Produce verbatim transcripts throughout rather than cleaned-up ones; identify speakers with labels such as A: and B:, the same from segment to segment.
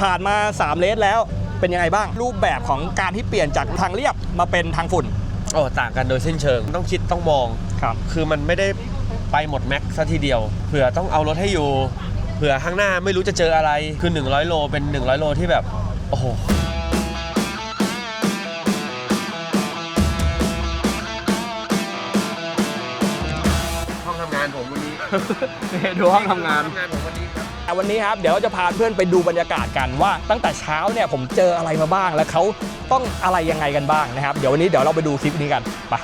A: ผ่านมาสามเลสแล้วเป็นยังไงบ้างรูปแบบของการที่เปลี่ยนจากทางเรียบมาเป็นทางฝุ่น
B: โอ้ต่างกันโดยสิ้นเชิงต้องคิดต้องมอง
A: ครับ
B: คือมันไม่ได้ไปหมดแม็กซ์ซะทีเดียวเผื่อต้องเอารถให้อยู่เผื่อข้างหน้าไม่รู้จะเจออะไรคือหนึ่งร้อยโลเป็นหนึ่งร้อยโลที่แบบโอ้โหห้องทำงานผมวันนี้
A: ดูห้องทำงาน
B: งานผมวันนี้ครับ
A: วันนี้ครับเดี๋ยวจะพาเพื่อนไปดูบรรยากาศกันว่าตั้งแต่เช้าเนี่ยผมเจออะไรมาบ้างและเขาต้องอะไรยังไงกันบ้างนะครับเดี๋ยววันนี้เดี๋ยวเราไปดูคลิปนี้กันไป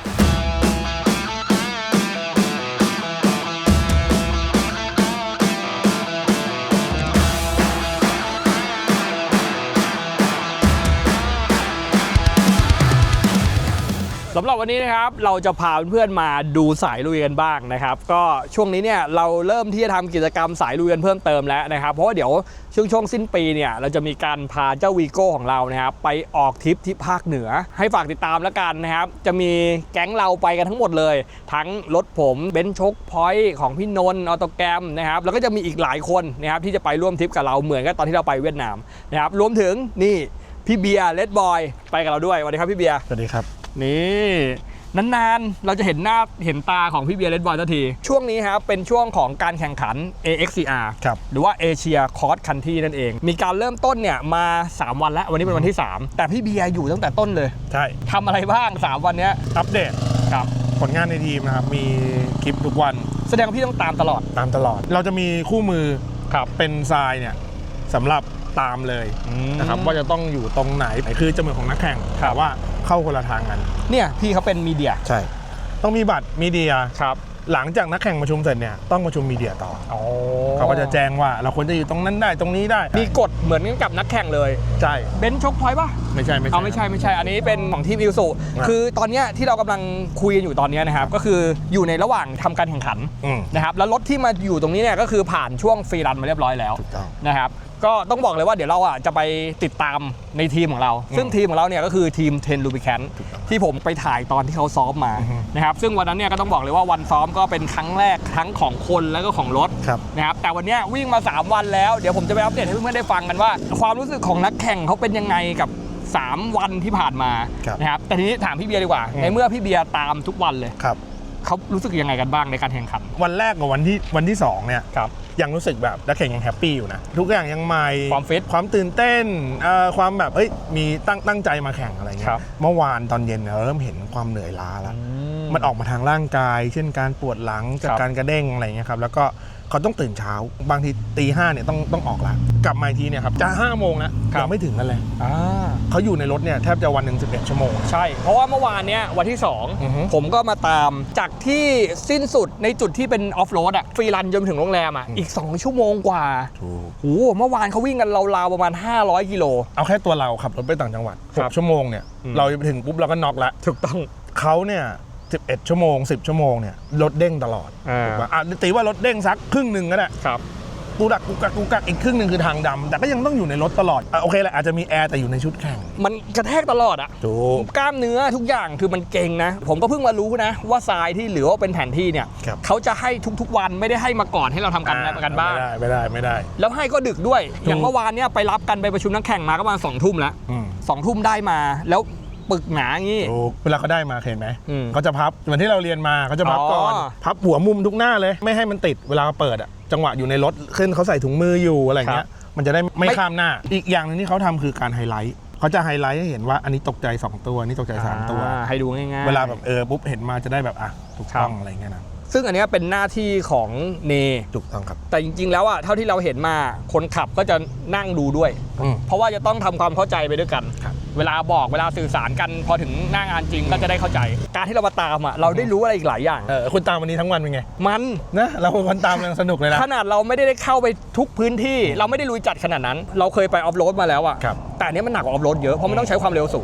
A: สำหรับวันนี้นะครับเราจะพาเพื่อนๆมาดูสายลุยกันบ้างนะครับก็ช่วงนี้เนี่ยเราเริ่มที่จะทำกิจกรรมสายลุยกันเพิ่มเติมแล้วนะครับเพราะว่าเดี๋ยวช่วงช่วงสิ้นปีเนี่ยเราจะมีการพาเจ้าวีโก้ของเรานะครับไปออกทริปที่ภาคเหนือให้ฝากติดตามแล้วกันนะครับจะมีแก๊งเราไปกันทั้งหมดเลยทั้งรถผมเบนซ์ชกพอยต์ของพี่นนท์ออโตแกรมนะครับแล้วก็จะมีอีกหลายคนนะครับที่จะไปร่วมทริปกับเราเหมือนกับตอนที่เราไปเวียดนามนะครับรวมถึงนี่พี่เบียร์เลดบอยไปกับเราด้วยสวัสดีครับพี่เบียร์
C: สวัสดีครับ
A: นี่นานๆเราจะเห็นหน้าเห็นตาของพี่เบียร์เลดบอยทันทีช่วงนี้ครับเป็นช่วงของการแข่งขัน เอ เอ็กซ์ ซี อาร์
C: ครับ
A: หรือว่า Asia Cross Country นั่นเองมีการเริ่มต้นเนี่ยมาสามวันแล้ววันนี้เป็นวันที่สามแต่พี่เบียร์อยู่ตั้งแต่ต้นเลย
C: ใช่
A: ทำอะไรบ้างสามวันนี้
C: อัปเดต
A: ครับ
C: ผลงานในทีมนะครับมีคลิปทุกวัน
A: แสดงว่าพี่ต้องตามตลอด
C: ตามตลอดเราจะมีคู่มือ
A: ครับ
C: เป็นทรายเนี่ยสำหรับตามเลยนะครับว่าจะต้องอยู่ตรงไหนคือจะเหมือนของนักแข่งแต่ว่าเข้าคนละทางกัน
A: เนี่ยพี่เขาเป็นมีเดีย
C: ใช่ต้องมีบัตรมีเดีย
A: ครับ
C: หลังจากนักแข่งประชุมเสร็จเนี่ยต้องประชุมมีเดียต่อ
A: อ๋อ
C: เขาก็จะแจ้งว่าเราควรจะอยู่ตรงนั้นได้ตรงนี้ได้
A: มีกฎเหมือนกับนักแข่งเลย
C: ใช่
A: เบนซ์ชกพอยต์ป่ะ
C: ไม่ใช่ไม่ใช่
A: เอาไม่ใช่ไม่ใช่อันนี้เป็นของทีมอิลสุคือตอนนี้ที่เรากำลังคุยกันอยู่ตอนนี้นะครับก็คืออยู่ในระหว่างทำการแข่งขันนะครับแล้วรถที่มาอยู่ตรงนี้เนี่ยก็คือผ่านช่วงฟรีรันมาเรียบร้อยแล้วนะครับก็ต้องบอกเลยว่าเดี๋ยวเราอ่ะจะไปติดตามในทีมของเราซึ่งทีมของเราเนี่ยก็คือทีมเทนลูบิแคนที่ผมไปถ่ายตอนที่เขาซ้อมมานะครับซึ่งวันนั้นเนี่ยก็ต้องบอกเลยว่าวันซ้อมก็เป็นครั้งแรกทั้งของคนแล้วก็ของรถนะครับแต่วันนี้วิ่งมาสามวันแล้วเดี๋ยวผมจะไปอัปเดตให้เพื่อนๆได้ฟังกันว่าความรู้สึกของนักแข่งเขาเป็นยังไงกับสามวันที่ผ่านมานะครับแต่ทีนี้ถามพี่เบียร์ดีกว่าในเมื่อพี่เบียร์ตามทุกวันเลยเขารู้สึกยังไงกันบ้างในการแข่งขัน
C: วันแรกกับวันที่วันที่สองเนี่ยยังรู้สึกแบบนักแข่งยังแฮปปี้อยู่นะทุกอย่างยังใหม่
A: ความฟิต
C: ความตื่นเต้นความแบบเอ้ยมีตั้งตั้งใจมาแข่งอะไรเงี้ยเมื่อวานตอนเย็นเราเริ่มเห็นความเหนื่อยล้าแล้วมันออกมาทางร่างกายเช่นการปวดหลังจากการกระเด้งอะไรเงี้ยครับแล้วก็เขาต้องตื่นเช้าบางทีตีห้าเนี่ยต้องต้องออกแล้วกลับมาทีเนี่ยครับจะห้าโมงแล้วยังไม่ถึงกันเลยเขาอยู่ในรถเนี่ยแทบจะวันหนึ่งสิบเอ็ดชั่วโมง
A: ใช่เพราะว่าเมื่อวานเนี้ยวันที่สองผมก็มาตามจากที่สิ้นสุดในจุดที่เป็นออฟโรดอะฟรีรันจนถึงโรงแรมอะอีกสองชั่วโมงกว่าโอ้โหเมื่อวานเขาวิ่งกันราวๆประมาณห้าร้อยกิโล
C: เอาแค่ตัวเราขับรถไปต่างจังหวัดหกชั่วโมงเนี่ยเราไปถึงปุ๊บเราก็น็อกแล้ว
A: ถูกต้อง
C: เขาเนี่ยสิบเอ็ดชั่วโมงสิบชั่วโมงเนี่ยรถเด้งตลอดถูกป่ะอ่ะตีว่ารถเด้งสักครึ่งหนึ่งก็ได้
A: ครับ
C: กูดักกูกักกูกักอีกครึ่งหนึ่งคือทางดำแต่ก็ยังต้องอยู่ในรถตลอดอ่ะโอเคแหละอาจจะมีแอร์แต่อยู่ในชุดแข่ง
A: มันกระแทกตลอดอ่ะ
C: ถูก
A: กล้ามเนื้อทุกอย่างคือมันเก่งนะผมก็เพิ่งมารู้นะว่าทรายที่เหลือว่าเป็นแผนที่เนี่ยเขาจะให้ทุกๆวันไม่ได้ให้มาก่อนให้เราทำกันกันบ้าง
C: ไม่ได้ไม่ได้ไม่ได้
A: แล้วให้ก็ดึกด้วยอย่างเมื่อวานเนี่ยไปรับกันไปประชุมนักแข่งมาก็ประมาณสองทุ่มแล้วสองทุ่มได้มาแล้วปึกหนาอย่างนี้
C: เวลาเขาได้มาเห็นไหมเขาจะพับเหมือนที่เราเรียนมาเขาจะพับก่อนพับหัวมุมทุกหน้าเลยไม่ให้มันติดเวลาเปิดอ่ะจังหวะอยู่ในรถขึ้นเขาใส่ถุงมืออยู่อะไรเงี้ยมันจะได้ไม่ข้ามหน้าอีกอย่างนึงที่เขาทำคือการไฮไลท์เขาจะไฮไลท์ให้เห็นว่าอันนี้ตกใจสองตัวนี่ตกใจสามตัว
A: ให้ดูง่าย
C: ๆเวลาแบบเออปุ๊บเห็นมาจะได้แบบอ่ะถูกต้องอะไรเงี้ยนะ
A: ซึ่งอันนี้เป็นหน้าที่ของเน
C: ถูกต้องครับ
A: แต่จริงๆแล้วอ่ะเท่าที่เราเห็นมาคนขับก็จะนั่งดูด้วยเพราะว่าจะต้องทำความเข้าใจไปด้วยกันเวลาบอกเวลาสื่อสารกันพอถึงหน้างานจริงก็จะได้เข้าใจการที่เรามาตามอ่ะเราได้รู้อะไรอีกหลายอย่าง
C: เออคุณตามวันนี้ทั้งวันเป็นไง
A: มัน
C: นะเราคนตามยังสนุกเลยนะ
A: ขนาดเราไม่ได้เข้าไปทุกพื้นที่เราไม่ได้ลุยจัดขนาดนั้นเราเคยไปออฟโรดมาแล้วอ่ะแต่อันนี้มันหนักกว่าออฟโรดเยอะเพราะมันต้องใช้ความเร็วสูง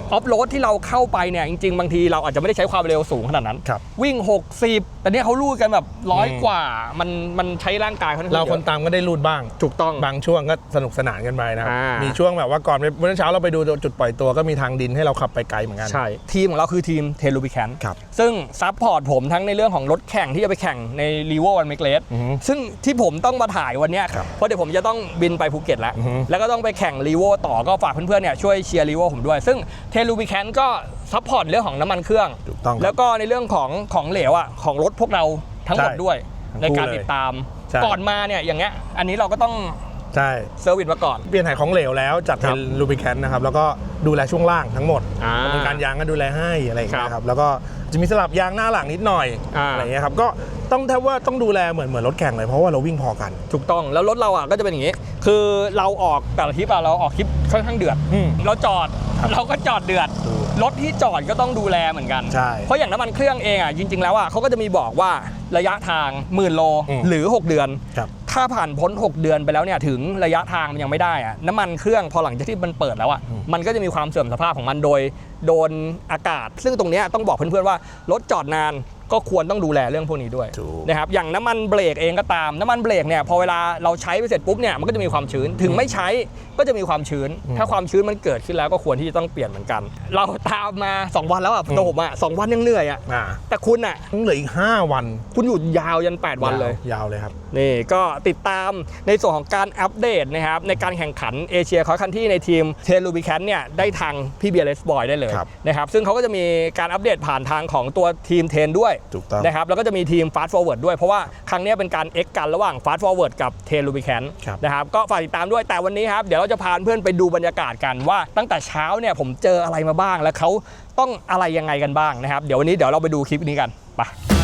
A: ออฟโรดที่เราเข้าไปเนี่ยจริงๆบางทีเราอาจจะไม่ได้ใช้ความเร็วสูงขนาดนั้น วิ่งหกสิบแต่เนี่ยเขาลูดกันแบบร้อยกว่ามันมันใช้ร่างกายเขา
C: เราคนตามก็ได้ลูดบ้าง
A: ถูกต้อง
C: บางช่วงก็สนุกสนานกันไปนะครับ
A: อ่ามี
C: มีช่วงแบบว่าก่อนเมื่อเช้าเราไปดูจุดปล่อยตัวก็มีทางดินให้เราขับไปไกลเหมือนกัน
A: ใช่ทีมของเราคือทีมเทลูบิแคน
C: ครับ
A: ซึ่งซัพพอร์ตผมทั้งในเรื่องของรถแข่งที่จะไปแข่งในรีโววันเมกเลส
C: อือฮึ
A: ซึ่งที่ผมต้องมาถ่ายวันเนี้ย
C: ครับ
A: เพราะเดี๋ยวผมจะต้องบินไปภูเก็ตแล้ว
C: อือฮึ
A: แล้วก็ต้องไปแข่งรีโวต่อก็ฝากเพื่อนๆเนี่ยช่วยเชียร์รีโวผมด้วยซึ่งเทลูบิแคนก็ซัพพอร์ตเรื่องของน้ำมันเครื่อง
C: ถูกต้องครับ
A: แล้วก็ในเรื่องของของเหลวอ่ะของรถพวกเราทั้งหมด
C: ใช่
A: ด้วย
C: ทั้ง
A: ใน
C: คู่
A: การ
C: เลย
A: ติดตาม
C: ใช่
A: ก่อนมาเนี่ยอย่างเงี้ยอันนี้เราก็ต้อง
C: ใช่
A: เซอร์วิสมาก่อน
C: เปลี่ยนถ่ายของเหลวแล้วจัด
A: ครั
C: เป็
A: บ
C: นลูบิแคนนะครับแล้วก็ดูแลช่วงล่างทั้งหมด
A: อ่า
C: เป็นการยางก็ดูแลให้อะไรอย่างเงี้
A: ครั
C: ย
A: บ
C: ครับแล้วก็จะมีสลับยางหน้าหลังนิดหน่อย
A: อ่า
C: อะไรอย่างเงี้ยครับก็ต้องแทบว่าต้องดูแลเหมือนเหมือนรถแข่งเลยเพราะว่าเราวิ่งพอกัน
A: ถูกต้องแล้วรถเราอ่ะก็จะเป็นอย่างนี้ คือเราออกแต่ละทริปอ่ะเราออกทริปค่อนข้างเดือด
C: อืม
A: เราจอด
C: ครับ
A: เราก็จอดเดือด
C: ถูก
A: รถที่จอดก็ต้องดูแลเหมือนกัน
C: ใช่
A: เพราะอย่างน้ำมันเครื่องเองอ่ะจริงๆแล้วอ่ะเขาก็จะมีบอกว่าระยะทางหมื่นโล
C: อืม
A: หรือหกเดือน
C: ครับ
A: ถ้าผ่านพ้นหกเดือนไปแล้วเนี่ยถึงระยะทางมันยังไม่ได้อ่ะน้ำมันเครื่องพอหลังจากที่มันเปิดแล้วอ่ะ
C: อืม
A: มันก็จะมีความเสื่อมสภาพของมันโดยโดนอากาศ ซึ่งตรงเนี้ยต้องบอกเพื่อนๆว่ารถจอดนานก็ควรต้องดูแลเรื่องพวกนี้ด้วย
C: ถูก
A: นะครับอย่างน้ำมันเบรกเองก็ตามน้ำมันเบรกเนี่ยพอเวลาเราใช้ไปเสร็จปุ๊บเนี่ยมันก็จะมีความชื้นถึงไม่ใช้ก็จะมีความชื้น ถ้าความชื้นมันเกิดขึ้นแล้วก็ควรที่จะต้องเปลี่ยนเหมือนกัน เราตามมาสองวันแล้วอ่ะตัวผมอ่ะสองวันยังเหนื่อยอ่ะ
C: อ่า
A: แต่คุณอ่ะ
C: ต้องเหลืออีกห้าวัน
A: คุณอยู่ยาวยันแปดวันเลย
C: ยาวเลยครับ
A: นี่ก็ติดตามในส่วนของการอัปเดตนะครับในการแข่งขันเอเชียคอร์คันที่ในทีมเทลูบิแคนเนี่ยได้ทางพี่เบียร์เลสบอยได้เลย
C: ครับ
A: นะครับซึ่งเขาก็จะมีการอัปเดตผ่านทางของตัวทีมเทนด้วย
C: ถูกต้อง
A: นะครับแล้วก็จะมีทีม Fast Forward ด้วยเพราะว่าครั้งนี้เป็นการ X กันระหว่าง Fast Forward กับ t e l u b i c a n
C: ครับ
A: นะครับก็ฝากติดตามด้วยแต่วันนี้ครับเดี๋ยวเราจะพาเพื่อนไปดูบรรยากาศกันว่าตั้งแต่เช้าเนี่ยผมเจออะไรมาบ้างและเขาต้องอะไรยังไงกันบ้างนะครับเดี๋ยววันนี้เดี๋ยวเราไปดูคลิปนี้กันไป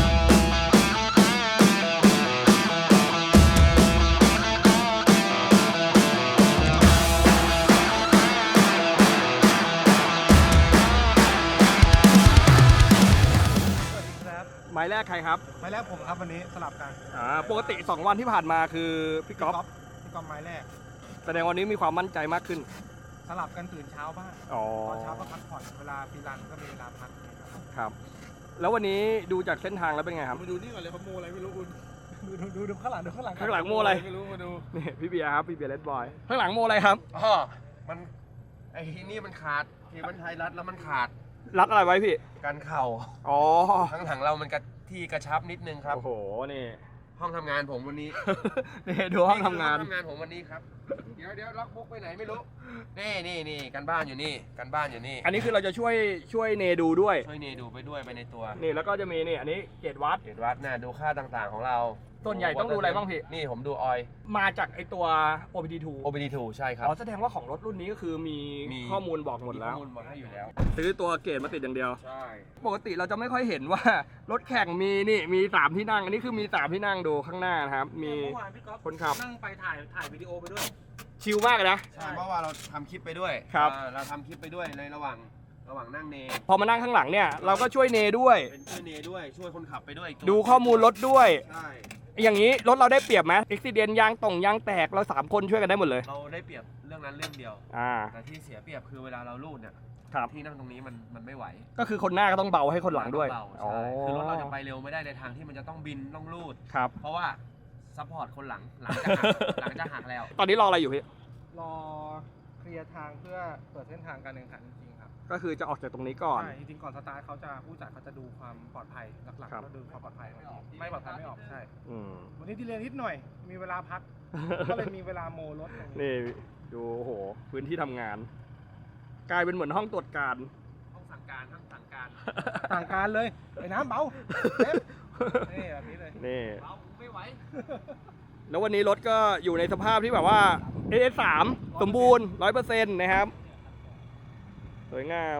A: หมายแรกใครครับ
C: ไม้แรกผมครับวันนี้สลับกัน
A: อ่าปกติสองวันที่ผ่านมาคือพี่ก๊อฟ
C: พี่ก๊อฟไม้แรก
A: แสดงวันนี้มีความมั่นใจมากขึ้น
C: สลับกันตื่นเช้าบ้าง
A: อ๋อ
C: ตอนเช้าก็พักผ่อนเวลาฟรีแลนซ์ก็มีเวลาพัก
A: ครับ แล้ววันนี้ดูจากเส้นทางแล้วเป็นไงครับ
C: มาดูนี่ก่อนเลยเขาโมอะไรไม่รู้คุณดูดูดูดูข้างหลังดูข้างหลัง
A: ข้างหลังโมอะไร
C: ไม่รู้มาดู
A: นี่พี่เบียร์ครับพี่เบียร์เลดบอยข้างหลังโมอะไรครับ
B: อ๋อมันไอ้ที่นี่มันขาดที่มันไทยรัฐแล้วมันขาด
A: รัดอะไรไว้พี่
B: กันเข่า
A: อ๋อ
B: ข้างหลังเรามันกระที่กระชับนิดนึงครับ
A: โอ้โหนี่
B: ห้องทำงานผมวันนี้
A: นี่ดูห้องทำงาน
B: ห้องทำงานผมวันนี้ครับ เดี๋ยวเดี๋ยวล็อกบุ๊กไปไหนไม่รู้ นี่นี่นี่กันบ้านอยู่นี่กันบ้านอยู่นี่
A: อันนี้คือเราจะช่วยช่วยเนดูด้วย
B: ช่วยเนดูไปด้วยไปในตัว
A: นี่แล้วก็จะมีนี่อันนี้เกจวัด
B: เห็นวัดน่ะดูค่าต่างๆของเรา
A: ส่วนใหญ่ต้องดูอะไรบ้างพี่
B: นี่ผมดูออย
A: มาจากไอตัว โอ พี ดี ทู
B: โอ บี ดี ทู ใช่ครับ
A: อ๋อแสดงว่าของรถรุ่นนี้ก็คือมี
B: มี
A: ข้อมูลบอกหมดแล้ว
B: ข้อมูลบอกให้อยู่แล้ว
A: ซื้อตัวเกจมาติดอย่างเดียว
B: ใช่
A: ปกติเราจะไม่ค่อยเห็นว่ารถแข่งมีนี่มีสามที่นั่ง อันนี้คือมีสามที่นั่งดูข้างหน้านะครับ มี
D: เมื่อวานพี่ก๊อฟ
A: คนขับ
D: นั่งไปถ่ายถ่ายวิดีโอไปด้วย
A: ชิลมากเลยนะ
B: ใช่เพราะว่าเราทำคลิปไปด้วย
A: ครับ
B: อ่าเราทำคลิปไปด้วยในระหว่างระหว่างนั่งเน
A: พอมานั่งข้างหลังเนี่ยเราก็ช่วยเนด้วย
B: เป็นช่วยเนด้วยช่วยคนขับไปด้วยอีกตัว
A: ดูข้อมูลรถด้วย
B: ใช่
A: อย่างนี้รถเราได้เปรียบไหมอุบิเหตุยางต่งยางแตกเราสามคนช่วยกันได้หมดเลย
B: เราได้เปรียบเรื่องนั้นเรื่องเดียว
A: อ่า
B: แต่ที่เสียเปรียบคือเวลาเราลูดเนี่ย
A: ครับ
B: ที่นั่งตรงนี้มันมันไม่ไหว
A: ก็คือคนหน้าก็ต้องเบาให้คนหลังด้วย
B: เบาๆ
A: อ๋อ
B: ใช่คือรถเราจะไปเร็วไม่ได้ในทางที่มันจะต้องบินต้องลูด
A: ครับ
B: เพราะว่าซัพพอร์ตคนหลังหลังจะหัก หลังจะหักแล้ว
A: ตอนนี้รออะไรอยู่พี่
D: รอเคลียร์ทางเพื่อเปิดเส้นทางการแข่งขันจริงๆครับ
A: ก็คือจะออกจากตรงนี้ก่อน
D: ใช่จริงๆก่อนสตาร์ทเขาจะผู้จัดเขาจะดูความปลอดภัยหลัก
A: ครับ
D: ๆก็ดูความปลอดภัยไม่ออกไม่ปลอดภัยไม่ออกใช่
A: อืม
D: วันนี้ที่เรียนนิดหน่อย มีเวลาพัก ก็เลยมีเวลาโมรถอย่างนี้
A: นี่ดูโอ้โหพื้นที่ทำงาน กลายเป็นเหมือนห้องตรวจการ
B: ห้องสั่งการห้องสั่งการ
D: ต่างการเลยไอ้น้ำเบาเต็มนี่แบบนี้เลย
A: นี่
B: เราไม่ไหว
A: แล้ววันนี้รถก็อยู่ในสภาพที่แบบว่า เอ เอส สาม สมบูรณ์ ร้อยเปอร์เซ็นต์ นะครับ สวยงาม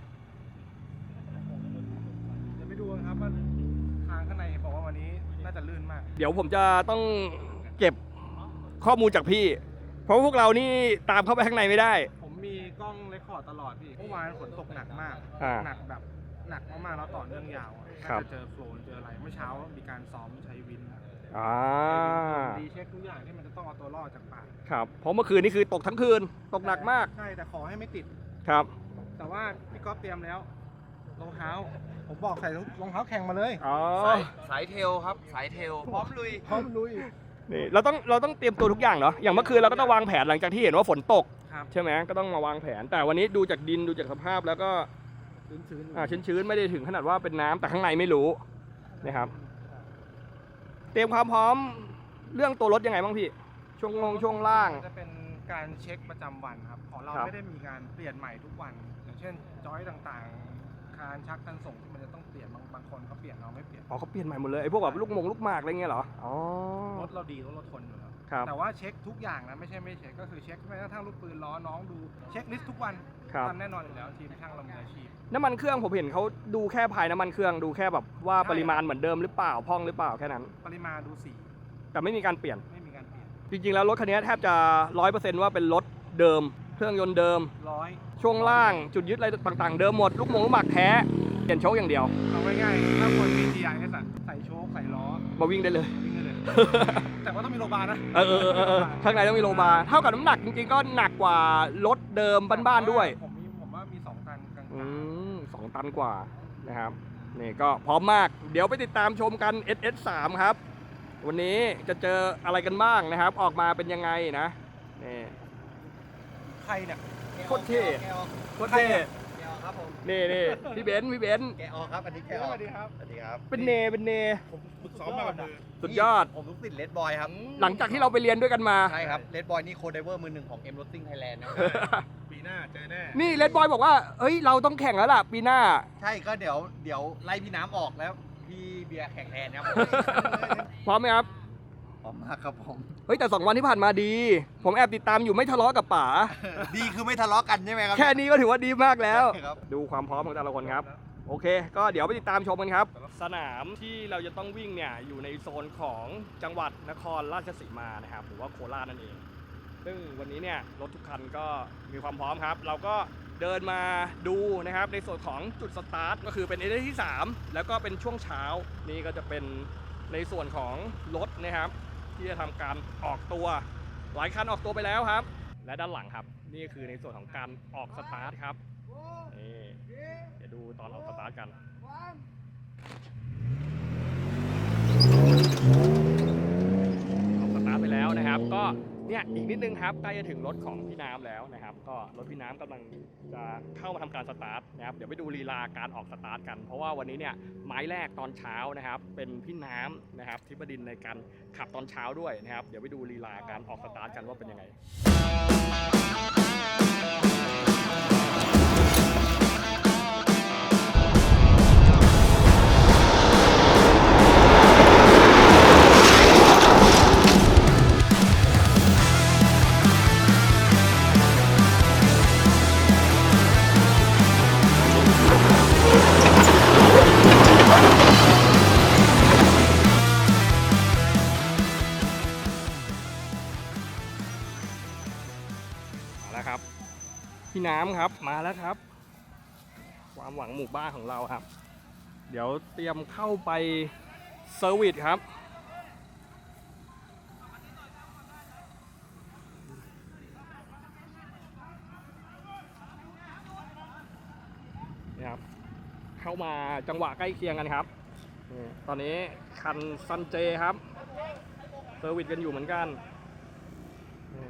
D: เดี๋ยวไปดูกันครับว่าทางข้างในบอกว่าวันนี้น่าจะลื่นมาก
A: เดี๋ยวผมจะต้องเก็บข้อมูลจากพี่ เพราะพวกเรานี่ตามเข้าไปข้างในไม่ได้
D: ผมมีกล้องเรคคอร์ดตลอดพี่เมื่อวานฝนตกหนักมาก
A: อ่า
D: หนักแบบหนักมากๆแล้วต่อเนื่องยาวอะ
A: ครั
D: น่า
A: บ
D: จะเจอโฟลนเจออะไร เมื่อเช้ามีการซ้อมใช้วิน
A: อ่า
D: ดีเช็คทุกอย่างที่มันจะต้องเอาตัวรอดจากป่า
A: ครับ เพราะเมื่อคืนนี่คือตกทั้งคืน ตกหนักมาก
D: ใช่ แต่ขอให้ไม่ติด
A: ครับ
D: ขแต่ว่าพี่ก๊อฟเตรียมแล้วรองเท้าผมบอกใส่รองเท้าแข่งมาเลย
A: อ๋อ
B: สายสายเทลครับ สายเทลพร้อมลุย
D: พร้อมลุย
A: นี่เราต้องเราต้องเตรียมตัวทุกอย่างเนาะอย่างเมื่อคืนเราก็ต้องวางแผนหลังจากที่เห็นว่าฝนตก
D: ครับ
A: ใช่ไหมก็ต้องมาวางแผน แต่วันนี้ดูจากดินดูจากสภาพแล้วก็
D: ชื้นๆ
A: อ่าชื้นๆไม่ได้ถึงขนาดว่าเป็นน้ำแต่ข้างในไม่รู้นะครับ เตรียมความพร้อมเรื่องตัวรถยังไงบ้างพี่ ช่วงงงช่วงล่าง
D: จะเป็นการเช็คประจำวันครับของเรา
A: ครับ
D: ไม่ได้มีการเปลี่ยนใหม่ทุกวัน อย่างเช่นจอยต่างๆ คานชักคันส่งที่มันจะต้องเปลี่ยนบางบางคนเขาเปลี่ยนเราไม่เปลี่ยน
A: อ๋อเขาเปลี่ยนใหม่หมดเลยไอ้พวกแบบลูกมงลูกหมากอะไรเงี้ยเหรออ๋อ
D: รถเราดีรถเราทนอยู่แล้ว
A: ครับ
D: แต่ว่าเช็คทุกอย่างนะไม่ใช่ไม่เช็คก็คือเช็คแม้กระทั่งลูกปืนล้อน้องดูเช็คลิสต์ทุกวัน
A: ครับ
D: ทำแน่นอนอยู่แล้วทีมช่างเรามืออาชีพ
A: น้ำมันเครื่องผมเห็นเขาดูแค่ภายน้ำมันเครื่องดูแค่แบบว่า
D: ใช่
A: ปริมาณเหมือนเดิมหรือเปล่าพร่องหรือเปล่าแค่นั้น
D: ปริมาณดูสี
A: แต่ไม่มีการเปลี่ยน
D: ไม่มีการเปลี่ยน
A: จริงๆแล้วรถคันนี้แทบจะร้อยเปอร์เซ็นต์ว่าเป็นรถเดิม เครื่องยนต์เดิม
D: ร้อย
A: ช่วงล่างจุดยึดอะไรต่างๆ เดิมหมดลูกมงลูกหมากแท้เปลี่ยนโชคอย่างเดียว
D: เอาง่ายๆถ้าคนมี ที ไอ เอส อะใส่โชคใส่ล้อ
A: มาวิ่งได้เลย
D: วิ่งได้เลย แต่ว่าต้องมีโลบาร์นะ
A: เออเออเออเออข้างในต้องมีโลบาร์เท่ากับน้ำหนักจริงๆก็หนักกว่ารถเดิมบ้านๆด้วย
D: ผมมีผมว่ามีสองตันกลาง
A: อืมสองตันกว่านะครับนี่ก็พร้อมมาก เดี๋ยวไปติดตามชมกัน เอส เอส สาม ครับ วันนี้จะเจออะไรกันบ้างนะครับ ออกมาเป็นยังไงนะนี่
D: ๆใครเนี่ย
A: โคตรเท่โคตรเท่
E: แกออกครับผม
A: นี่นี่พี่เบนซ์พี่เบนซ์
E: แกออกครับ อันนี้แก
D: ส
E: ออก
D: วัสดีครับ
E: สวัสดีครับ
A: เป็นเนเป็นเน
D: ผมฝึกซ้อมมากับมือ
A: สุดยอด
E: ผมลูกศิษย์เลดบอยครับ
A: หลังจากที่เราไปเรียนด้วยกันมา
E: ใช่ครับเลดบอยนี่โคดไดเวอร์มือหนึ่งของ M Racing Thailand นะ
D: ปีหน้าเจอแน่
A: นี่เลดบอยบอกว่าเอ้ยเราต้องแข่งแล้วล่ะปีหน้า
E: ใช่ก็เดี๋ยวเดี๋ยวไล่พี่น้ำออกแล้ว พี่เบียร์แข่งแทนครับ
A: พร้อมไหมครับ
E: พร้อมมากครับผม
A: เฮ้ยแต่สองวันที่ผ่านมาดี ผมแอบติดตามอยู่ไม่ทะเลาะกับป๋า
E: ดีคือไม่ทะเลาะกันใช่ไหมครับ
A: แค่นี้ก็ถือว่าดีมากแล้ว
E: ครับ
A: ดูความพร้อมของแต่ละคนครับ โอเค ก็เดี๋ยวไปติดตามชมกันครับ สนามที่เราจะต้องวิ่งเนี่ยอยู่ในโซนของจังหวัดนครราชสีมานะครับหรือว่าโคราชนั่นเอง ซึ่งวันนี้เนี่ยรถทุกคันก็มีความพร้อมครับ เราก็เดินมาดูนะครับในส่วนของจุดสตาร์ทก็คือเป็นเอเดที่สามแล้วก็เป็นช่วงเช้านี่ก็จะเป็นในส่วนของรถนะครับ ที่จะทำการออกตัวหลายคันออกตัวไปแล้วครับ และด้านหลังครับ นี่คือในส่วนของการออกสตาร์ทครับนี่เดี๋ยวดูตอนออกสตาร์ทกันออกสตาร์ทไปแล้วนะครับ ก็เนี่ยอีกนิดนึงครับใกล้จะถึงรถของพี่น้ำแล้วนะครับ ก็รถพี่น้ำกำลังจะเข้ามาทำการสตาร์ทนะครับเดี๋ยวไปดูลีลาการออกสตาร์ทกัน เพราะว่าวันนี้เนี่ยไม้แรกตอนเช้านะครับ เป็นพี่น้ำนะครับทิพดินในการขับตอนเช้าด้วยนะครับ เดี๋ยวไปดูลีลาการออกสตาร์ทกันว่าเป็นยังไง มาแล้วครับ พี่น้ำครับมาแล้วครับ ความหวังหมู่บ้านของเราครับ เดี๋ยวเตรียมเข้าไปเซอร์วิสครับนี่ครับ เข้ามาจังหวะใกล้เคียงกันครับนี่ตอนนี้คันซันเจครับเซอร์วิสกันอยู่เหมือนกันนี่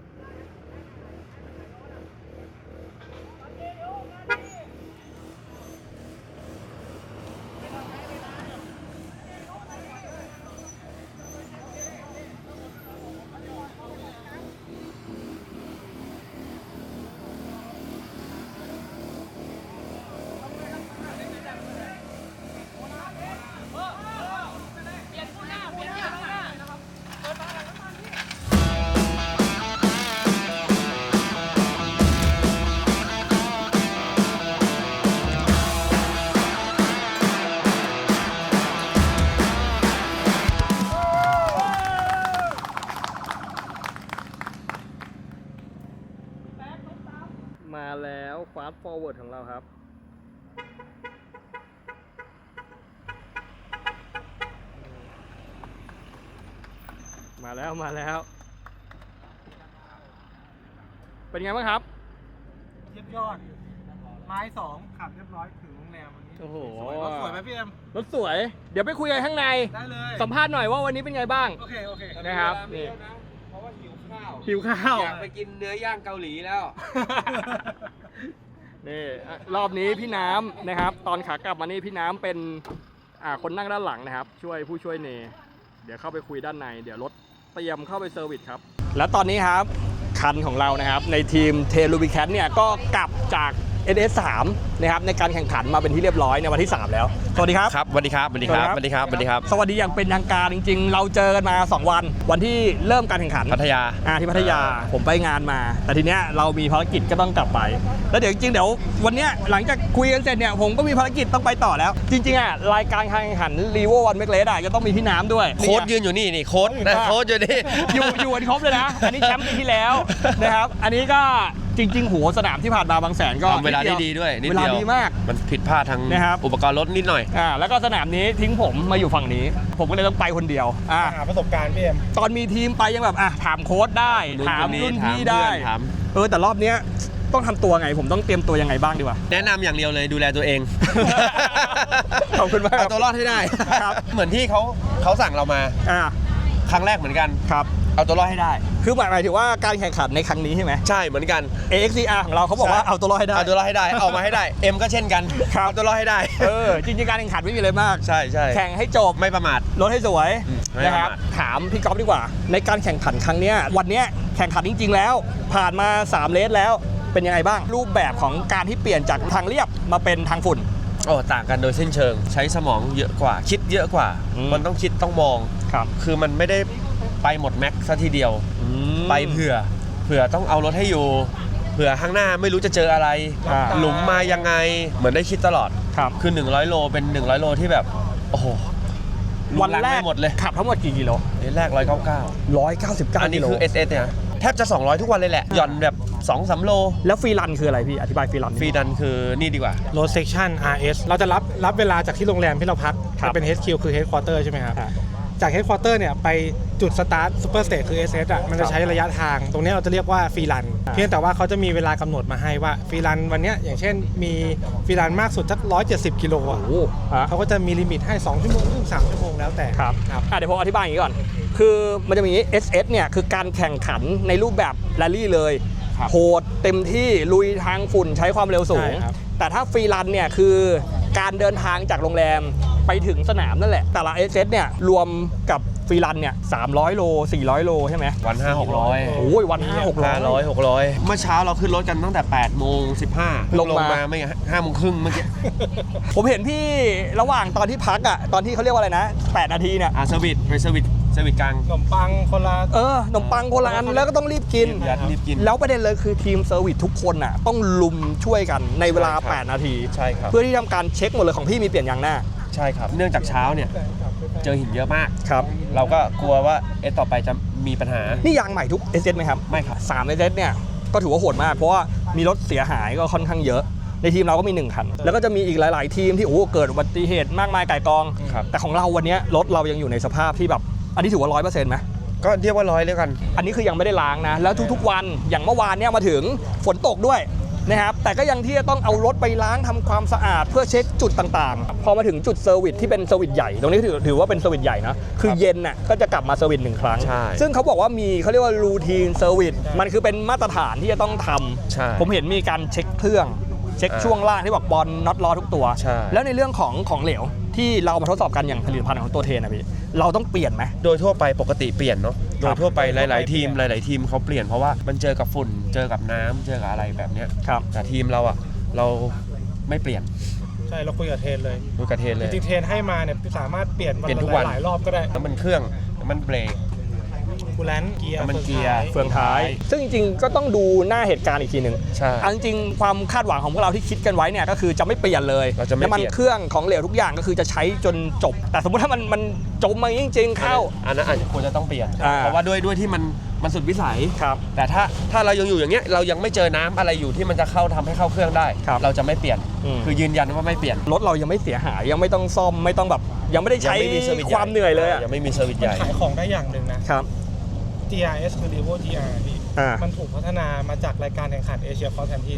A: มาแล้วฟาสต์ฟอร์เวิร์ดของเราครับ มาแล้วมาแล้ว เป็นไงบ้างครับ
D: เยี่ยมยอดไม้สองขับเรียบร้อยถึงโรงแรมวันนี้
A: โอ้โห
D: สวยรถสวยไหมพี่เอ็ม
A: รถสวย เดี๋ยวไปคุยกันข้างใน
D: ได้เลย
A: สัมภาษณ์หน่อยว่าวันนี้เป็นไงบ้าง
D: โอเคโอเค
A: นะครับนี่
B: เพราะว่าหิวข้าว
A: หิวข้าว
B: อยากไปกินเนื้อย่างเกาหลีแล้ว
A: นี่อ่ะรอบนี้พี่น้ำนะครับ ตอนขากลับมานี่พี่น้ำเป็นอ่าคนนั่งด้านหลังนะครับ ช่วยผู้ช่วยเน เดี๋ยวเข้าไปคุยด้านใน เดี๋ยวรถเตรียมเข้าไปเซอร์วิสครับ แล้วตอนนี้ครับคันของเรานะครับในทีมเทลูบิแคทเนี่ยก็กลับจาก เอส เอส สาม นะครับในการแข่งขันมาเป็นที่เรียบร้อยในวันที่ สาม แล้ว สวัสดีครับ
B: ครับสวัสดีครับสวัสดีครับสวัสดีครับสวัสดีครับ
A: สวัสดีอย่างเป็นทางการจริงๆ เราเจอกันมา สอง วัน วันที่เริ่มการแข่งขัน
B: พัทยา
A: อ่าที่พัทยาผมไปงานมา แต่ทีเนี้ยเรามีภารกิจก็ต้องกลับไป แล้วเดี๋ยวจริงๆเดี๋ยววันเนี้ยหลังจากคุยกันเสร็จเนี่ยผมก็มีภารกิจต้องไปต่อแล้ว จริงๆอ่ะรายการการแข่งขันรีโววันเมกเลสอ่ะจะต้องมีพี่น้ำด้วย
B: โค้ดยืนอยู่นี่นี่โค้ดนะโค้ดอยู่นี่
A: อยู่อยู่กันครบเลยนะ อันนี้แชมป์ปีที่แล้วนะครับ อันนี้ก็จริงๆหัวสนามที่ผ่านมาบางแสนก็
B: ทำเวลาได้ดีด้วยนิด
A: เวลา
B: เดียว
A: ดีมาก
B: มันผิดพลาดทาง
A: นะครับ
B: อุปกรณ์รถนิดหน่อย
A: อ่าแล้วก็สนามนี้ทิ้งผมมาอยู่ฝั่งนี้ ผมก็เลยต้องไปคนเดียวอ่า
D: หาประสบการณ์พี่เอ็ม
A: ตอนมีทีมไปยังแบบอ่ะถามโค้ชได้
B: รุ่น
A: ถาม
B: คนนี้
A: รุ่น
B: ถาม
A: พี่
B: เพื่
A: ได้
B: อนถาม
A: เออแต่รอบเนี้ยต้องทำตัวไง ผมต้องเตรียมตัวยังไงบ้างดีวะ
B: แนะนำอย่างเดียวเลยดูแลตัวเอง
A: ขอบคุณมาก
B: เอาตัวรอดให้ได้
A: ครับ
B: เหมือนที่เขาเขาสั่งเรามา
A: อ่า
B: ครั้งแรกเหมือนกัน
A: ครับ
B: เอาตัวรอดให้ได้
A: คือหมายหมายถึงว่าการแข่งขันในครั้งนี้ใช่ไหม
B: ใช่เหมือนกัน
A: เอ เอ็กซ์ ซี อาร์ ของเราเขาบอกว่า
B: ใช่
A: เอาตัวรอดให้ได้
B: เอาตัวรอดให้ได้เอามาให้ได้เอ็มก็เช่นกัน
A: ครับ
B: เอาตัวรอดให้ได้
A: เออจริงๆการแข่งขันไม่มีอะไรมาก
B: ใช่ใช่
A: แข่งให้จบ
B: ไม่ประมาท
A: รถให้สวย
B: อืมไม่
A: นะครับ
B: ประมาท
A: ถามพี่ก๊อฟดีกว่า ในการแข่งขันครั้งเนี้ยวันเนี้ยแข่งขันจริง ๆ แล้ว ผ่านมาสามเลสแล้วเป็นยังไงบ้าง รูปแบบของการที่เปลี่ยนจากทางเรียบมาเป็นทางฝุ่น
B: โอ้ต่างกันโดยสิ้นเชิง ใช้สมองเยอะกว่า คิดเยอะกว่า
A: อืม
B: มันต้องคิดต้องมอง
A: ครับ
B: คือมันไม่ได้ไปหมดแม็กซ์ซะทีเดียว ไปเผื่อเผื่อต้องเอารถให้อยู่เผื่อข้างหน้าไม่รู้จะเจออะไร
A: อ่า
B: หลุมมายังไงเหมือนได้คิดตลอด
A: ครับ
B: คือหนึ่งร้อยโลเป็นหนึ่งร้อยโลที่แบบโอ้โห
A: วันแรก
B: ไม่หมดเลย
A: ขับทั้งหมดกี่กิโล
B: เลนแรกหนึ่งร้อยเก้าสิบเก้า
A: ร้อยเก้าสิบเก้า
B: อันนี้
A: กิโล
B: คือ เอส เอส เนี่ยแทบจะสองร้อยทุกวันเลยแหละหย่อนแบบสองสามโล
A: แล้วฟรีรันคืออะไรพี่ อธิบายฟรีรัน
B: ฟรีดันคือนี่ดีกว่า
D: รถเซ c ชั n อาร์ เอส เราจะรับรับเวลาจากที่โรงแรมที่เราพัก
A: ครับ
D: จะเป็น เอช คิว คือ Headquarter ใช่ไหมครับ
A: อ่า
D: จาก Headquarter เนี่ยไปจุดสตาร์ทซูเปอร์สเตจคือ เอส เอส อ่ะมันจะใช้ระยะทาง ตรงนี้เราจะเรียกว่าฟรีรัน
A: อ่า
D: เพียงแต่ว่าเขาจะมีเวลากำหนดมาให้ว่าฟรีรันวันเนี้ยอย่างเช่นมีฟรีรันมากสุดสักหนึ่งร้อยเจ็ดสิบกิโลอ่ะ
A: โอ้ฮะ
D: เขาก็จะมีลิมิตให้สองชั่วโมงถึงสามชั่วโมงแล้วแต่
A: ครับ
D: ครับ
A: อ่ะเดี๋ยวผมอธิบายอย่างนี้ก่อน คือมันจะมี เอส เอส เนี่ยคือการแข่งขันในรูปแบบแรลลี่เลย
B: ครับ
A: โหดเต็มที่ลุยทางฝุ่นใช้ความเร็วสูง
D: ใช่ครับ
A: แต่ถ้าฟรีรันเนี่ยคือการเดินทางจากโรงแรมไปถึงสนามนั่นแหละ แต่ละ เอส เอส เนี่ยรวมกับฟรีรันเนี่ยสามร้อยโลสี่ร้อยโลใช่ไหม
B: วันห้าหกร้อย
A: โอ้ยวันห้าหกร้อย
B: ห้าร้อยหกร้อยเมื่อเช้าเราขึ้นรถกันตั้งแต่แปดโมงสิบห้า
A: ลงมา
B: ไม่ห้าโมงครึ่งเมื่อกี้
A: ผมเห็นพี่ระหว่างตอนที่พักอ่ะตอนที่เขาเรียกว่าอะไรนะแปดนาทีเนี่ย
B: อ่าเซอร์วิสไปเซอร์วิสเซอร์วิสกลาง
D: ขนมปังคนละ
A: เออขนมปังคนละอันแล้วก็ต้องรีบกิน
B: ยัดรีบกิน
A: แล้วประเด็นเลยคือทีมเซอร์วิสทุกคนอ่ะต้องลุมช่วยกันในเวลา
B: ใช่ครับ
A: แปด นาที
B: ใช่ครับ
A: เพื่อที่ทำการเช็คหมดเลยของพี่มีเปลี่ยนยางหน้า
B: ใช่ครับ เนื่องจากเช้าเนี่ยเจอหินเยอะมาก
A: ครับ
B: เราก็กลัวว่าเอะต่อไปจะมีปัญหา
A: นี่ยางใหม่ทุก เอส เอส ไหมครับ
B: ไม่ครับ
A: สาม เอส เอส เนี่ยก็ถือว่าโหดมาก เพราะว่ามีรถเสียหายก็ค่อนข้างเยอะ ในทีมเราก็มีหนึ่งคัน แล้วก็จะมีอีกหลาย ๆ ทีมที่โอ้โหเกิดอุบัติเหตุมากมายก่ายกอง
B: ครับ
A: แต่ของเราวันเนี้ยรถเรายังอยู่ในสภาพที่แบบอันนี้ถือว่าร้อยเปอร์เซ็นต์ไหม
B: ก็เรียกว่าร้อยแล้วกัน
A: อันนี้คือยังไม่ได้ล้างนะ แล้วทุกๆวันอย่างเมื่อวานเนี่ยมาถึงฝนตกด้วยนะครับแต่ก็ยังที่จะต้องเอารถไปล้างทำความสะอาดเพื่อเช็คจุดต่างๆ พอมาถึงจุดเซอร์วิสที่เป็นเซอร์วิสใหญ่ตรงนี้ถือถือว่าเป็นเซอร์วิสใหญ่นะคือเย็นน่ะก็จะกลับมาเซอร์วิสหนึ่งครั้ง
B: ใช่
A: ซึ่งเขาบอกว่ามีเขาเรียกว่ารูทีนเซอร์วิสมันคือเป็นมาตรฐานที่จะต้องทำ
B: ใช่
A: ผมเห็นมีการเช็คเครื่องเช็ค
B: อ่า
A: ช่วงล่างที่บอกบอลน็อตล้อทุกตัว
B: ใช่
A: แล้วในเรื่องของของเหลวที่เรามาทดสอบกันอย่างผลิตภัณฑ์ของตัวเทนนะพี่เราต้องเปลี่ยนไหม
B: โดยทั่วไปปกติเปลี่ยนเนาะ
A: ค
B: โด
A: รับ
B: ยทั่วไปหลาย ๆ ทีมหลาย ๆ ทีมเขาเปลี่ยนเพราะว่ามันเจอกับฝุ่นเจอกับน้ำเจอกับอะไรแบบเนี้ย
A: ครับ
B: แต่ทีมเราอ่ะเราไม่เปลี่ยน
D: ใช่เราคุยกับเทรนเลย
B: ดูกระเทนเลย
D: จริงๆเทรนให้มาเนี่ยสามารถเปลี่ยน
B: เปลี่ยนทุกวัน
D: หลายๆรอบก็ได้
B: น้ำมันเครื่องน้ำมันเบรก
D: คูลแลนต์เกียร์
B: น้ำมันเกียร์
A: เฟืองท้าย ซึ่งจริงๆก็ต้องดูหน้าเหตุการณ์อีกทีหนึ่ง
B: ใช่
A: เอาจริงๆความคาดหวังของพวกเราที่คิดกันไว้เนี่ยก็คือจะไม่เปลี่ยนเลย
B: เราจะไม่
A: น้ำมัน
B: เปลี่ยน
A: เครื่องของเหลวทุกอย่างก็คือจะใช้จนจบ แต่สมมติถ้ามันมันจมมาจริงๆเข้า
B: อันนั้นอาจจะควรจะต้องเปลี่ยน
A: อ่า
B: เพราะว่าด้วยด้วยที่มันมันสุดวิสัย
A: ครับ
B: แต่ถ้าถ้าเรายังอยู่อย่างเงี้ยเรายังไม่เจอน้ำอะไรอยู่ที่มันจะเข้าทำให้เข้าเครื่องได้
A: ครับ
B: เราจะไม่เปลี่ยน
A: อืม
B: คือยืนยันว่าไม่เปลี่ยน
A: รถเรายังไม่เสียหายยังไม่ต้องซ่อมไม่ต้องแบบยังไม่ได้
B: ยั
A: ใช้
B: ไม่มีเซอร์วิส
A: ความเหนื่อยเลยอะ
B: ยังไม่มีเซอร์วิสใหญ่
D: ขายของได้อย่างหนึ่งนะ
A: ครับ
D: จี อาร์ เอส คือ Revo จี อาร์ พี่
A: อ่า
D: มันถูกพัฒนามาจากรายการแข่งขันเอเชียคอสแทนที่นะครับ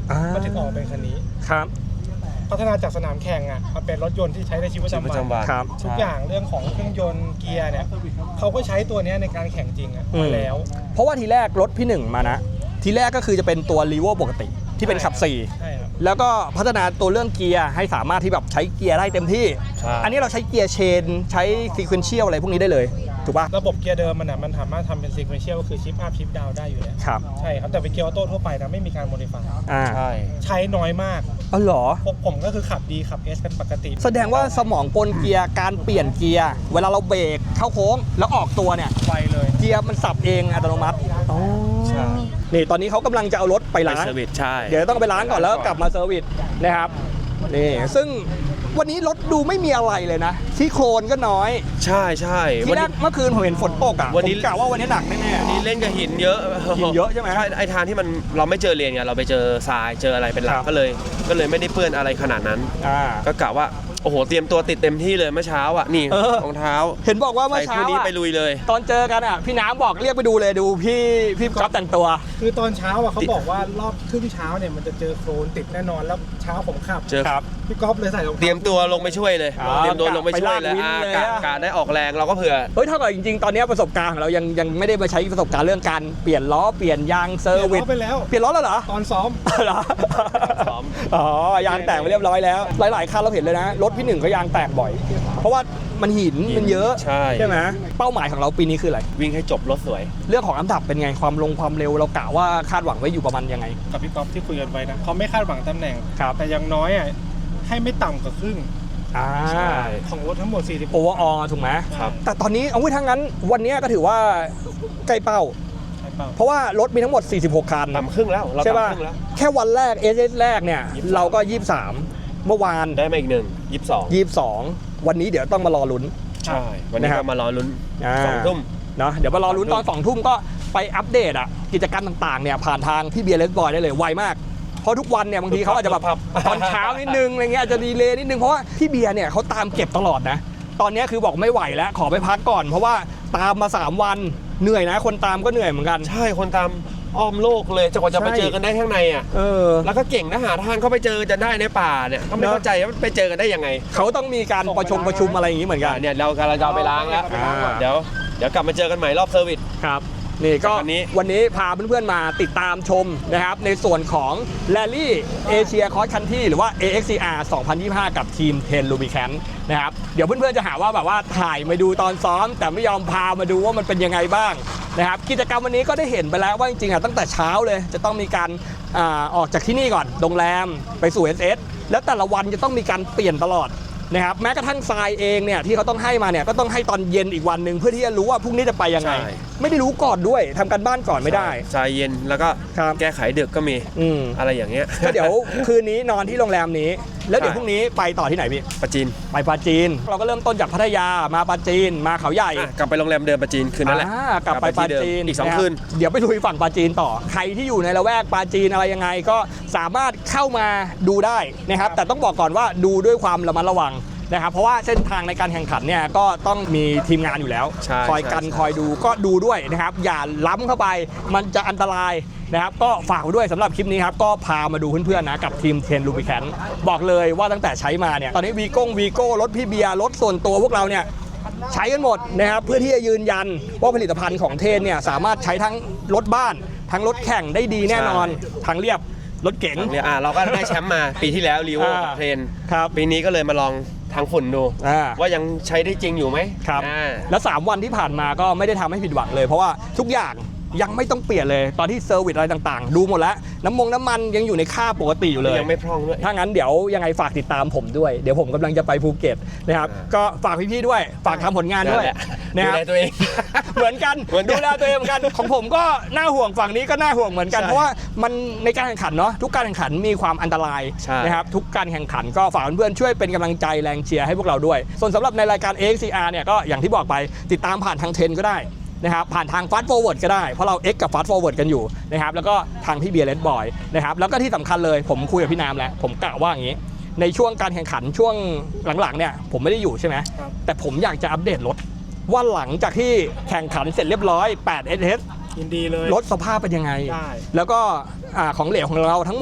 A: อ่ามั
D: มันถึงออกเป็นคันนี้
A: ครับ
D: พัฒนาจากสนามแข่งอ่ะมาเป็นรถยนต์ที่ใช้ในชีวิตประ
B: ประ
D: จำ
B: จำ
D: วั
B: วัน น
A: ครับ
D: ทุกอย่างเรื่องของเครื่องยนต์เกียร์เนี่ยเขาก็ใช้ตัวเนี้ยในการแข่งจริงอ่ะ
A: อืม
D: มาแล้ว
A: เพราะว่าทีแรกรถพี่หนึ่งมานะ ทีแรกก็คือจะเป็นตัวรีโวปกติที่เป็นขับสี่
D: ใช่ครับ
A: แล้วก็พัฒนาตัวเรื่องเกียร์ให้สามารถที่แบบใช้เกียร์ได้เต็มที่
B: ใช่
A: อันนี้เราใช้เกียร์เชนใช้ซีเควนเชียลอะไรพวกนี้ได้เลยถูกป่ะ
D: ระบบเกียร์เดิมมันอ่ะมันสามารถทำเป็นซีเควนเชียลก็คือชิปอัพชิปดาวได้อยู่แล้ว
A: ครับ
D: ใช่ครับแต่เป็นเกียร์ออโต้ทั่วไปนะไม่มีการโมดิฟาย
A: อ่า
B: ใช่
D: ใช้น้อยมาก
A: อ๋อเหรอ
D: พวกผมก็คือขับดีขับ S เป็นปกติ
A: แสดงว่าสมองปนเกียร์การเปลี่ยนเกียร์เวลาเราเบรกเข้าโค้งแล้วออกตัวเนี่ย
D: ไวเลย
A: เกียร์มันสับเองอัตโนมัติอ๋อ
B: ใช่
A: นี่ตอนนี้เขากำลังจะเอารถไป
B: ไป
A: ล้าง
B: เซอร์วิสใช่
A: เดี๋ยวต้องไปล้างก่อนแล้วก็กลับมาเซอร์วิสนะครับนี่ซึ่งวันนี้รถดูไม่มีอะไรเลยนะที่โคลนก็น้อย
B: ใช่ใช่
A: ที่
B: วัน
A: แร
B: นี้
A: กเมื่อคืนผมเห็นฝนตกอ่ะ
B: วันนี้
A: ผมกะว่าวันนี้หนักแน่
B: วันนี้เล่นกับหินเยอะ
A: หินเยอะใช่ไหม
B: ใช่ไอทางที่มันเราไม่เจอเลนไงเราไปเจอทรายเจออะไรเป็นหลั
A: ค
B: ก
A: รับ
B: ก็เลย ก็เลยไม่ได้เปื้อนอะไรขนาดนั้น
A: ๆอ่า
B: ก็กะว่าโอ้โหเตรียมตัวติดเต็มที่เลยเมื่อเช้าอ่ะนี่
A: เออ
B: รองเท้า
A: เห็นบอกว่าเมื่
B: ใส่
A: อเช้า
B: คู่นี้
A: อะ
B: ไปลุยเลย
A: ตอนเจอกันอ่ะพี่น้ำบอกเรียกไปดูเลยดูพี่พี่ก๊อฟแต่งตัว
D: คือตอนเช้าอ่ะเขาบอกว่ารอบครึ่งเช้าเนี่ยมันจะเจอโคลนติดแน่นอนแล้วเช้าผมขับ
B: เจอ
A: ครับ
D: พี่ก๊อฟเลยใส่รอง
B: เตรียมตัวลงไปช่วยเลย
A: อ๋อ
B: เตรียมตัวลงไปช่วยเลย
A: ไปลากวิน
B: อ่า
A: เลย
B: กะ
A: อะ
B: กะได้ออกแรงเราก็เผื่อ
A: เฮ้ยเท่ากับจริงๆ ตอนนี้ประสบการณ์ของเรายังยังไม่ได้มาใช้ประสบการณ์เรื่องการเปลี่ยนล้อเปลี่ยนยางเซอร์วิส
D: ไปแล้ว
A: เปลี่ยนล้อแล้วเหรอ
D: ตอนซ้อม
A: เหรอ
B: ซ้อม
A: อ๋อยางแตกไปเรียบร้อยแล้ว หลายๆคันเราเห็นเลยนะรถพี่หนึ่งก็ยางแตกบ่อย เพราะว่ามันหิน
B: หิน
A: มันเยอะ
B: ใช่
A: ไหมเป้าหมายของเราปีนี้คืออะไร
B: วิ่งให้จบรถสวย
A: เรื่องของอันดับเป็นไงความลงความเร็วเรากะว่าคาดหวังไว้อยู่ประมาณยังไง
D: กับพี่ก๊อฟที่คุยกันไว้นะเขาไม่คาดหวังตำแหน่ง
A: ครับ
D: แต่อย่างน้อยอ่ะให้ไม่ต่ำกว่าครึ่ง
A: อ่า
B: ใช่
D: ของรถทั้งหมดสี่สิบ
A: โอเวอร์ออถูกไหม
B: ครับ
A: แต่ตอนนี้เอาไว้ทั้งนั้นวันนี้ก็ถือว่าใกล้เป้า
D: ใช่เปล่า
A: เพราะว่ารถมีทั้งหมดสี่สิบหกคัน
B: ต่ำครึ่งแล้วเรา
A: ใช่ป่ะ
B: ต่ำครึ่งแล้ว
A: แค่วันแรก เอส เอส แรกเนี่ย
B: ยี่สิบสาม
A: เราก็ยี่สิบสามเมื่อวาน
B: ได้มาอีกหนึ่งยี่สิบสอง
A: ยี่สิบสองวันนี้เดี๋ยวต้องมารอลุ้น
B: ใช่ วันนี้
A: นะครับ
B: ก็มารอลุ้น
A: อ่า
B: สองทุ่ม
A: เนาะเดี๋ยวมารอลุ้นตอน
B: ส
A: ส
B: อ
A: อง ง
B: ทุ่
A: ทุ่
B: ม
A: มก็ไปอัปเดตอ่ะกิจกรรมต่างๆเนี่ยผ่านทางพี่เบียร์เลสบอยได้เลยไวมาก เพราะทุกวันเนี่ยบางทีเขาอาจจะแบบ
B: ครับ
A: ตอนเช้านิดนึงอะไรเงี้ยอาจจะดีเลย์นิดนึงเพราะว่าพี่เบียร์เนี่ยเขาตามเก็บตลอดนะ ตอนนี้คือบอกไม่ไหวแล้วขอไปพักก่อน เพราะว่าตามมาสามวันเหนื่อยนะ คนตามก็เหนื่อยเหมือนกัน
B: ใช่คนตามอ้อมโลกเลยจะกว่าจะไป
A: ใช่
B: เจอกันได้ข้างในอ่ะ
A: เออ
B: แล้วก็เก่งนะหาทางเข้าไปเจอจะได้ในป่าเนี่ยก็ไม่
A: เนอะ
B: เข้าใจว่าไปเจอกันได้ยังไง
A: เขาต้องมีการประชุมประชุมอะไรอย่างนี้เหมือนกัน
B: อ่ะเนี่ยเรากำลังจะเอาไปล้างแล้ว
A: อ่า
B: เดี๋ยวเดี๋ยวกลับมาเจอกันใหม่รอบเซอร์วิส
A: ครับนี่ก็
B: วันนี้
A: วันนี้พาเพื่อนๆมาติดตามชมนะครับในส่วนของ Rally Asia Cross Country หรือว่า เอ เอ็กซ์ ซี อาร์ สองพันยี่สิบห้า กับทีมเทน Rubicon นะครับเดี๋ยวเพื่อนๆจะหาว่าแบบว่าถ่ายมาดูตอนซ้อม แต่ไม่ยอมพามาดูว่ามันเป็นยังไงบ้างนะครับกิจกรรมวันนี้ก็ได้เห็นไปแล้วว่าจริงๆอ่ะตั้งแต่เช้าเลยจะต้องมีการอ่าออกจากที่นี่ก่อนโรงแรมไปสู่ เอส เอส แล้วแต่ละวันจะต้องมีการเปลี่ยนตลอดนะครับแม้กระทั่งทรายเองเนี่ยที่เขาต้องให้มาเนี่ยก็ต้องให้ตอนเย็นอีกวันหนึ่งเพื่อที่จะรู้ว่าพรุ่งนี้จะไปยังไง
B: ใช่
A: ไม่ได้รู้ก่อนด้วยทำการบ้านก่อนไม่ได้
B: ใจเย็นแล้วก็
A: ครับ
B: แก้ไขดึกก็มี
A: อืม
B: อะไรอย่างเงี้ย
A: ก็เดี๋ยวคืนนี้นอนที่โรงแรมนี้ แล้วเดี๋ยว
B: ใช่
A: พรุ่งนี้ไปต่อที่ไหนพี่
B: ประจีน
A: ไปปาจีน เราก็เริ่มต้นจากพัทยามาปาจีนมาเขาใหญ่
B: อ่ะกลับไปโรงแรมเดิมประจีนคืนนั้นแหละ
A: อ่ากลับไปปา
B: ที่เดิม
A: จีน
B: อีกสอง
A: ะรับ
B: คืน
A: เดี๋ยวไปลุยฝั่งปาจีนต่อใครที่อยู่ในละแวกปาจีนอะไรยังไงก็สามารถเข้ามาดูได้นะครับแต่ต้องบอกก่อนว่าดูด้วยความระมัดระวังนะครับเพราะว่าเส้นทางในการแข่งขันเนี่ยก็ต้องมีทีมงานอยู่แล้ว
B: ใช่
A: คอยกัน
B: ใช่
A: คอยดูก็ดูด้วยนะครับอย่าล้ำเข้าไปมันจะอันตรายนะครับก็ฝากไว้ด้วยสำหรับคลิปนี้ครับก็พามาดูเพื่อนๆนะกับทีมเทนลูบิแคนบอกเลยว่าตั้งแต่ใช้มาเนี่ยตอนนี้วีโก้วีโก้รถพี่เบียร์รถส่วนตัวพวกเราเนี่ยใช้กันหมดนะครับเพื่อที่จะยืนยันว่าผลิตภัณฑ์ของเทนเนี่ยสามารถใช้ทั้งรถบ้านทั้งรถแข่งได้ดีแน่นอนทางเรียบรถเก๋ง
B: เนี่ยอ่ะเราก็ได้แชมป์มาปีที่แล้วรีโว
A: อ่า
B: กับเทรน
A: ครับ
B: ปีนี้ก็เลยมาลองทางฝุ่นดู
A: อ่า
B: ว่ายังใช้ได้จริงอยู่ไหม
A: ครับ
B: อ่า
A: แล้วสามวันที่ผ่านมาก็ไม่ได้ทำให้ผิดหวังเลย เพราะว่าทุกอย่างยังไม่ต้องเปลี่ยนเลยตอนที่เซอร์วิสอะไรต่างๆ ดูหมดแล้วน้ำมงน้ำมันยังอยู่ในค่าปกติอยู่เลย
B: ยังไม่พร่องด้วย
A: ถ้างั้นเดี๋ยวยังไงฝากติดตามผมด้วย เดี๋ยวผมกำลังจะไปภูเก็ตนะครับ
B: อ่า
A: ก็ฝากพี่ๆด้วย ฝากทำผลงานด้วย
B: นั่นแหละ
A: นะครับ
B: ดูแลตัวเอง
A: เหมือนกัน
B: เหมือนกัน
A: ดูแลตัวเองเหมือนกันของผมก็น่าห่วงฝั่งนี้ก็น่าห่วงเหมือนกัน
B: ใช่
A: เพราะว่ามันในการแข่งขันเนาะทุกการแข่งขันมีความอันตราย
B: ใช่
A: นะครับทุกการแข่งขันก็ฝากเพื่อนๆช่วยเป็นกำลังใจแรงเชียร์ให้พวกเราด้วย ส่วนสำหรับในรายการ เอ เอ็กซ์ ซี อาร์ เนี่ยก็อย่างที่บอกไปติดตามผ่านทางเทรนก็ได้นะครับผ่านทาง Fast Forward ก็ได้เพราะเรา X กับ Fast Forward กันอยู่นะครับแล้วก็ทางพี่เบียร์เลดบอยนะครับแล้วก็ที่สำคัญเลยผมคุยกับพี่น้ำแล้วผมกะว่าอย่างนี้ ในช่วงการแข่งขันช่วงหลังๆเนี่ยผมไม่ได้อยู่ใช่ไหม
D: ครับ
A: แต่ผมอยากจะอัปเดตรถว่าหลังจากที่แข่งขันเสร็จเรียบร้อยแปด เอส เอส
D: ยินดีเลย
A: รถสภาพเป็นยังไง
D: ได้
A: แล้วก็อ่าของเหลวของเราทั้งหมด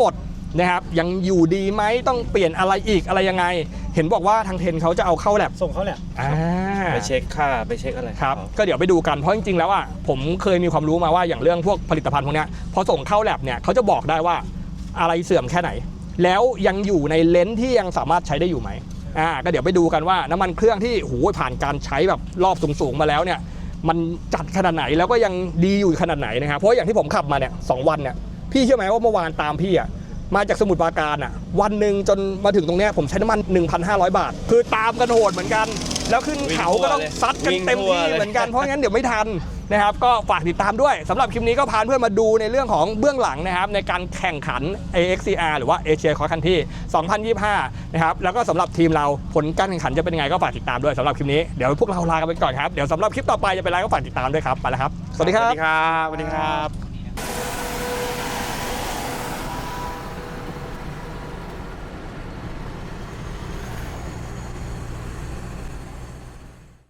A: นะครับยังอยู่ดีไหมต้องเปลี่ยนอะไรอีกอะไรยังไงเห็นบอกว่าทางเทนเขาจะเอาเข้าแลบ
F: ส่งเขาแหละ
A: อ่า
B: ไปเช็คค่าไปเช็คอะไร
A: ครับก็เดี๋ยวไปดูกันเพราะจริงๆแล้วอ่ะผมเคยมีความรู้มาว่าอย่างเรื่องพวกผลิตภัณฑ์พวกเนี้ยพอส่งเข้าแลบเนี่ยเขาจะบอกได้ว่าอะไรเสื่อมแค่ไหน แล้วยังอยู่ในเลนส์ที่ยังสามารถใช้ได้อยู่ไหมอ่าก็เดี๋ยวไปดูกันว่าน้ำมันเครื่องที่โหผ่านการใช้แบบรอบสูงๆมาแล้วเนี่ยมันจัดขนาดไหนแล้วก็ยังดีอยู่ขนาดไหนนะครับเพราะอย่างที่ผมขับมาเนี่ยสองวันเนี่ยพี่เชื่อไหมว่าเมื่อวานตามพี่อ่ะมาจากสมุทรปราการอ่ะวันหนึ่งจนมาถึงตรงเนี้ยผมใช้น้ำมัน หนึ่งพันห้าร้อย บาท คือตามกันโหดเหมือนกัน แล้วขึ้นเขาก็ต้องซัดกันเต็มที่เหมือนกันเพราะงั้นเดี๋ยวไม่ทันนะครับก็ฝากติดตามด้วยสำหรับคลิปนี้ก็พาเพื่อนมาดูในเรื่องของเบื้องหลังนะครับในการแข่งขัน เอ เอ็กซ์ ซี อาร์ หรือว่า Asia Cross Country สองพันยี่สิบห้านะครับแล้วก็สำหรับทีมเราผลการแข่งขันจะเป็นยังไงก็ฝากติดตามด้วยสำหรับคลิปนี้เดี๋ยวพวกเราลากันไปก่อนครับเดี๋ยวสำหรับคลิปต่อไปจะเป็นอะไรก็ฝากติดตามด้วยครับไปแล้วครับสวัสดี
B: ส
A: ค
B: วั
A: รั
B: ส
A: บ
B: ดีครับสวัสดีครับ